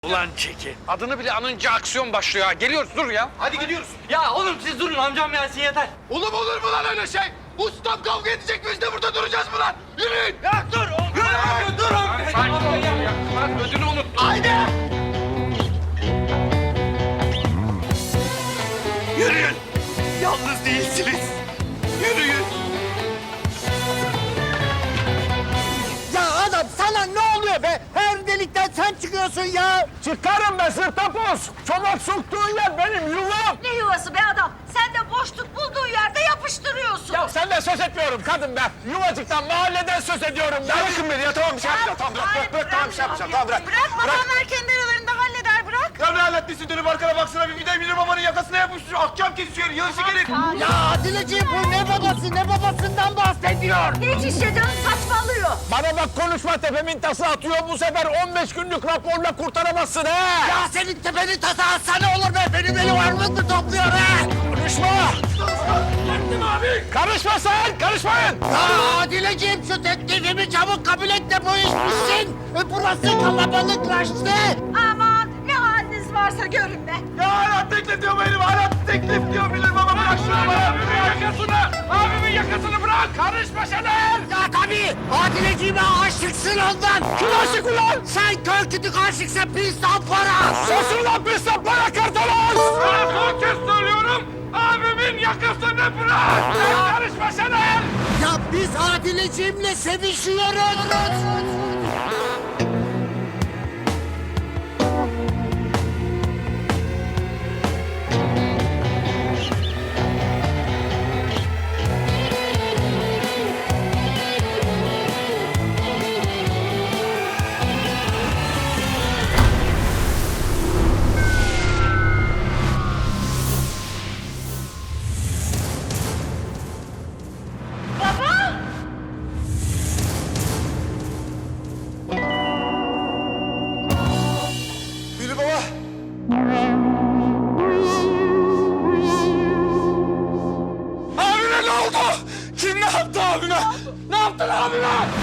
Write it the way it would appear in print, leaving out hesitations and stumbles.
Ulan Çeki. Adını bile anınca aksiyon başlıyor ha. Geliyoruz dur ya. Hadi gidiyoruz. Ya oğlum siz durun, amcam gelsin yeter. Oğlum olur mu lan öyle şey? Ustam kavga edecek, biz de burada duracağız mı lan? Yürüyün. Ya dur oğlum. Dur oğlum. Sakin ol ya. Bak ödünü unuttum. Haydi. Yürüyün. Yalnız değilsiniz. Yürüyün. Ya adam sana ne oluyor be? Her delikten sen çıkıyorsun ya. Çıkarım be sırtapos. Çomak soktuğun yer benim yuvam. Ne yuvası be adam? Sen de boşluk bulduğun yerde yapıştırıyorsun. Ya senden söz etmiyorum kadın be. Yuvacıktan, mahalleden söz ediyorum be. Bırakın beni ya, tamam bir şey yapacağım. Tamam bırak, tamam bir şey yapacağım. Tamam bırak. Bırak babamlar kendi aralarında halleder bırak. Ya ne halletmişsin, dönüp arkana baksana bir de bilir babanın yakasına yapıştırıyor. Akşam kesiyor, yılışı gelin. Ya Adileciğim bu ne babası, ne babasından bahsediyor. Hiç işte canım saçmalıyor. Bana bak konuşma, tepemin tası atıyor. Bu sefer 15 günlük raporla kurtaramazsın he. Ya senin tepenin tası atsa ne olur be? Benim elim armut topluyor he. Konuşma. Karışma sen, karışmayın. Ya Adileciğim şu teklifimi çabuk kabul et de bu iş bitsin. Burası kalabalıklaştı. Aman ne haliniz varsa görün be. Ya hala teklif diyor benim, hala teklif diyor bilir baba. Bırak şunu bana. Abimin yakasını. Abimin yakasını bırak. Karışma Şener. Ya tabii. Adileciğime aşıksın ondan. Kim aşık ulan? Sen kör kütük aşıksan pis para. Susun lan pis para kartalos. Sana son kez söylüyorum. Abimin yakasını bırak. Karışma Şener. Ya biz Adileciğimle sevişiyoruz. Bilir baba. Abime ne oldu? Kim ne yaptı abime? Ne yaptın abime?